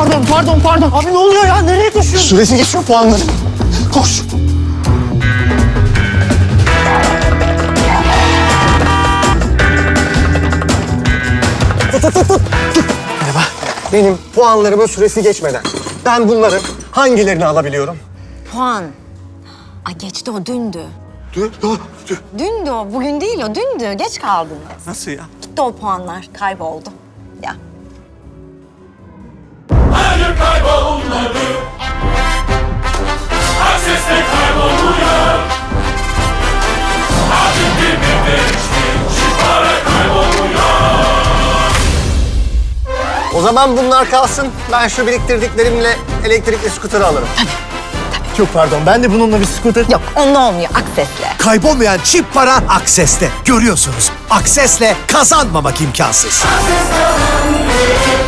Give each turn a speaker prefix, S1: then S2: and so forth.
S1: Pardon. Abi ne oluyor ya? Nereye koşuyorsun?
S2: Süresi geçiyor puanların. Koş. Tut. Merhaba. Benim puanlarımın süresi geçmeden ben bunların hangilerini alabiliyorum?
S3: Puan. Ay geçti o dündü.
S2: Dur.
S3: Dündü o. Bugün değil o. Dündü. Geç kaldınız.
S2: Nasıl ya?
S3: Gitti o puanlar. Kayboldu. Ya.
S4: Her yer kaybolmadı. Her sesle kayboluyor. Artık bir değişti. Şu para kayboluyor.
S2: O zaman bunlar kalsın. Ben şu biriktirdiklerimle elektrikli skuterı alırım.
S1: Çok pardon. Ben de bununla bir scooter...
S3: Yok onunla olmuyor. Aksesle.
S5: Kaybolmayan çip para Akses'te. Görüyorsunuz. Akses'le kazanmamak imkansız.
S4: Ses kalan